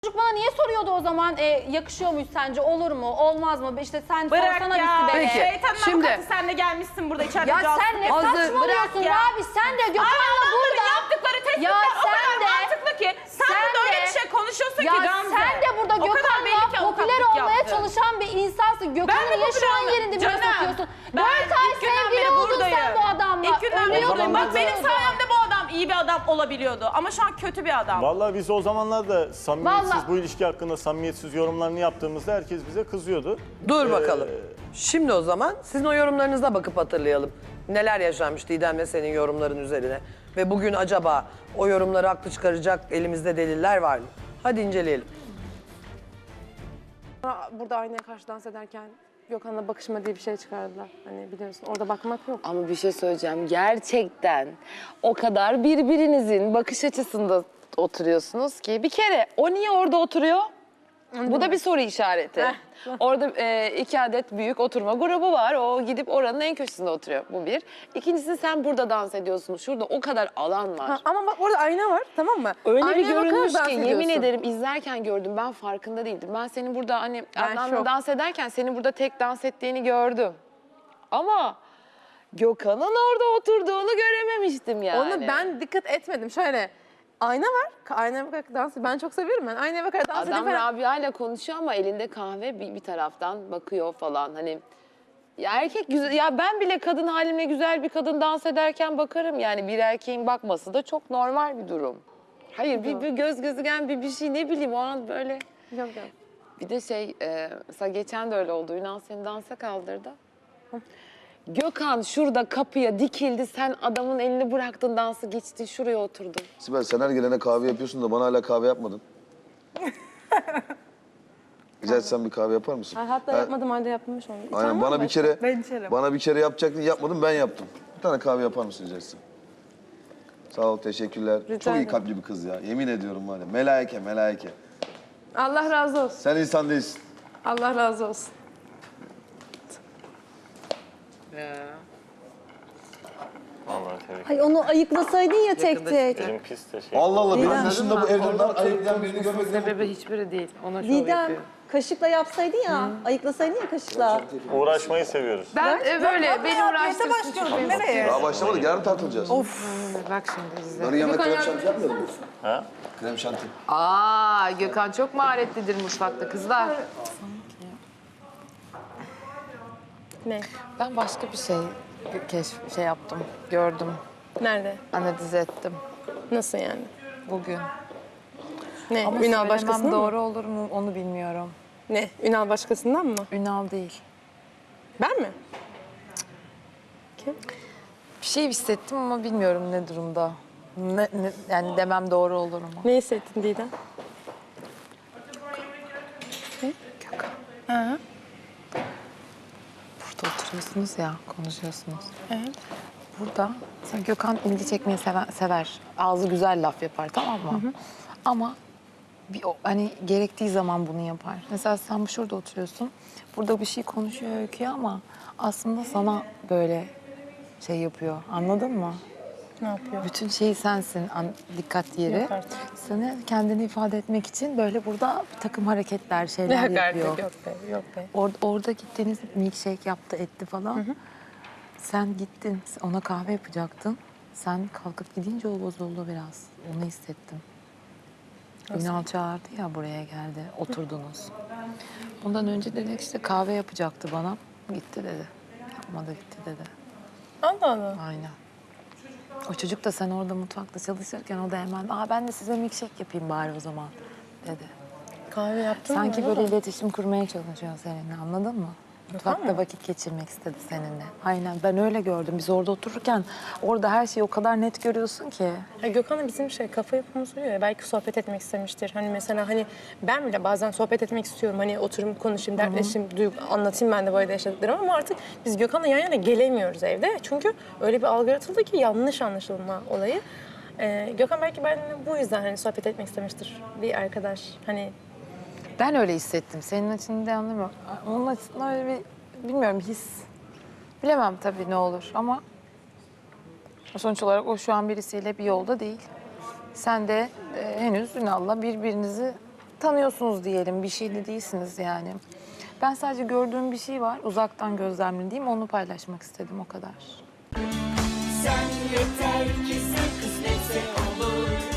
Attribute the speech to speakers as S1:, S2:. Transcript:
S1: Çocuk bana niye soruyordu o zaman yakışıyor muyuz sence, olur mu, olmaz mı? İşte sen
S2: Bırak
S1: sorsana
S2: ya.
S1: bir Sibel'e.
S2: Şeytanın
S3: Şimdi-
S2: avukatı sen de gelmişsin burada içeride.
S1: Ya sen ne saçmalıyorsun
S2: ya.
S1: abi, sen de Gökhan'la burada.
S2: Yaptıkları tespitler
S1: Ya
S2: o kadar
S1: sen de-
S2: mantıklı ki. Sen de öyle bir şey konuşuyorsun
S1: Ya
S2: ki Gamze.
S1: sen de burada
S2: O kadar belli ki
S1: Gökhan'la popüler
S2: avukatlık
S1: olmaya
S2: yaptın.
S1: çalışan bir insansın. Gökhan'ı
S2: Ben de
S1: niye şu an
S2: popüler
S1: yerinde bile
S2: Canım,
S1: sokuyorsun?
S2: ben
S1: 4 ay
S2: ilk günden
S1: sevgili
S2: beri
S1: oldun sen
S2: buradayım.
S1: bu adamla.
S2: İlk günden beri
S1: Ölüyordun,
S2: buradayım. Bak benim
S1: batıyordun.
S2: sayemde bu adam iyi bir adam olabiliyordu. Ama şu an kötü bir adam.
S4: Vallahi biz o zamanlarda samimiyetsiz,
S1: Vallahi-
S4: bu ilişki hakkında samimiyetsiz yorumlarını yaptığımızda herkes bize kızıyordu.
S3: Dur bakalım. Şimdi o zaman sizin o yorumlarınıza bakıp hatırlayalım. Neler yaşanmış Didem'le senin yorumların üzerine. Ve bugün acaba o yorumları haklı çıkaracak elimizde deliller var mı? Hadi inceleyelim.
S5: Burada aynaya karşı dans ederken Gökhan'la bakışma diye bir şey çıkardılar. Hani biliyorsun orada bakmak yok.
S6: Ama bir şey söyleyeceğim. Gerçekten o kadar birbirinizin bakış açısında oturuyorsunuz ki. Bir kere o niye orada oturuyor? Bu da bir soru işareti. Orada 2 adet büyük oturma grubu var. O gidip oranın en köşesinde oturuyor. Bu bir. İkincisi sen burada dans ediyorsun. Şurada o kadar alan var.
S5: Ama bak orada ayna var, tamam mı?
S6: Öyle bir
S5: Aynaya bakarak
S6: görünmüş
S5: dans
S6: ki yemin
S5: ediyorsun.
S6: ederim izlerken gördüm. Ben farkında değildim. Ben senin burada hani
S5: Ben
S6: Adnan'la
S5: şok.
S6: dans ederken senin burada tek dans ettiğini gördüm. Ama Gökhan'ın orada oturduğunu görememiştim yani.
S5: Onu ben dikkat etmedim. Şöyle ayna var. Aynaya bakarak dans. Ben çok seviyorum ben. Aynaya bakarak dans
S6: Adam
S5: edip
S6: Rabia ile konuşuyor ama elinde kahve bir taraftan bakıyor falan. Hani ya erkek güzel, ya ben bile kadın halimle güzel bir kadın dans ederken bakarım yani, bir erkeğin bakması da çok normal bir durum. Hayır bir göz gözügen bir şey, ne bileyim o an böyle.
S5: Yok yok.
S6: Bir de mesela geçen de öyle oldu. Ünal seni dansa kaldırdı. Gökhan şurada kapıya dikildi. Sen adamın elini bıraktın, dansı geçti, şuraya oturdun.
S7: Sibel sen her gelene kahve yapıyorsun da bana hala kahve yapmadın. Rica etsem bir kahve yapar mısın?
S5: Hatta yapmadım halde yapmış onu. İçen var
S7: Aynen
S5: mı
S7: bana bir
S5: başka?
S7: kere
S5: Ben içerim.
S7: bana bir kere yapacaktın, yapmadım, ben yaptım. Bir tane kahve yapar mısın rica etsem? Sağ ol, teşekkürler. Çok iyi
S5: ederim.
S7: kalpli bir kız ya. Yemin ediyorum var ya. Melaike, melaike.
S5: Allah razı olsun.
S7: Sen insan değilsin.
S5: Allah razı olsun.
S8: Ay onu ayıklasaydın ya tek tek.
S4: Elim pis de şey.
S7: Allah Allah, benim dışında bu evde ben ayıplayan birini görmek
S6: Sebebi hiçbiri değil. Ona şov
S8: Didem
S6: yapıyor.
S8: kaşıkla yapsaydın ya, ayıklasaydın ya kaşıkla.
S4: Uğraşmayı seviyoruz.
S6: Ben böyle beni uğraştırsın.
S7: Daha başlamadık, yarın tartılacağız.
S6: Bak şimdi bize.
S7: Yarın yanında krem şanti yapmayalım mı?
S4: Ha?
S7: Krem şanti.
S6: Aa, Gökhan çok maharetlidir mutfakta kızlar.
S5: Ne?
S6: Ben başka bir şey yaptım, gördüm,
S5: Nerede?
S6: analiz ettim
S5: Nasıl yani?
S6: bugün.
S5: Ne?
S6: Ama
S5: Ünal başkasından mı?
S6: doğru olur mu onu bilmiyorum.
S5: Ne? Ünal başkasından mı?
S6: Ünal değil.
S5: Ben mi?
S6: Bir şey hissettim ama bilmiyorum ne durumda. Yani demem doğru olur mu?
S5: Ne hissettin Didem?
S6: Burada oturuyorsunuz ya, konuşuyorsunuz. Evet. Burada mesela Gökhan ilgi çekmeyi sever. Ağzı güzel laf yapar, tamam mı? Ama hani gerektiği zaman bunu yapar. Mesela sen şurada oturuyorsun. Burada bir şey konuşuyor Öykü'ye ama aslında sana böyle şey yapıyor. Anladın mı?
S5: Ne yapıyor?
S6: Bütün şey sensin, dikkat yeri. Seni kendini ifade etmek için böyle burada bir takım hareketler, şeyler yapıyor.
S5: Yok be, yok be.
S6: Orada gittiniz, milkshake yaptı, etti falan. Sen gittin, ona kahve yapacaktın. Sen kalkıp gidince o bozuldu biraz. Onu hissettim. Ünal çağırdı ya, buraya geldi, oturdunuz. Bundan önce dedi işte kahve yapacaktı bana. Gitti dedi. Yapmadı, gitti dedi.
S5: Allah Allah.
S6: Aynen. O çocuk da sen orada mutfakta çalışırken o da hemen ben de size milkshake yapayım bari o zaman dedi.
S5: Kahve yaptın mı?
S6: Sanki böyle iletişim kurmaya çalışıyor seninle, anladın mı? Mutfakta vakit geçirmek istedi seninle. Aynen, ben öyle gördüm. Biz orada otururken orada her şeyi o kadar net görüyorsun ki.
S5: Ya Gökhan'la bizim kafa yapımız uyuyor ya. Belki sohbet etmek istemiştir. Hani mesela ben bile bazen sohbet etmek istiyorum. Hani oturup konuşayım, dertleşeyim, anlatayım ben de böyle yaşadıklarımı. Ama artık biz Gökhan'la yan yana gelemiyoruz evde. Çünkü öyle bir algı yaratıldı ki yanlış anlaşılma olayı. Gökhan belki benimle bu yüzden hani sohbet etmek istemiştir. Bir arkadaş hani.
S6: Ben öyle hissettim. Senin için de anlamıyorum. Onun açısından öyle bir, bilmiyorum, his. Bilemem tabii ne olur ama sonuç olarak o şu an birisiyle bir yolda değil. Sen de henüz Ünal'la birbirinizi tanıyorsunuz diyelim, bir şey de değilsiniz yani. Ben sadece gördüğüm bir şey var, uzaktan gözlemlediğim, onu paylaşmak istedim, o kadar.
S9: Sen yeter ki sen kısmetse olur.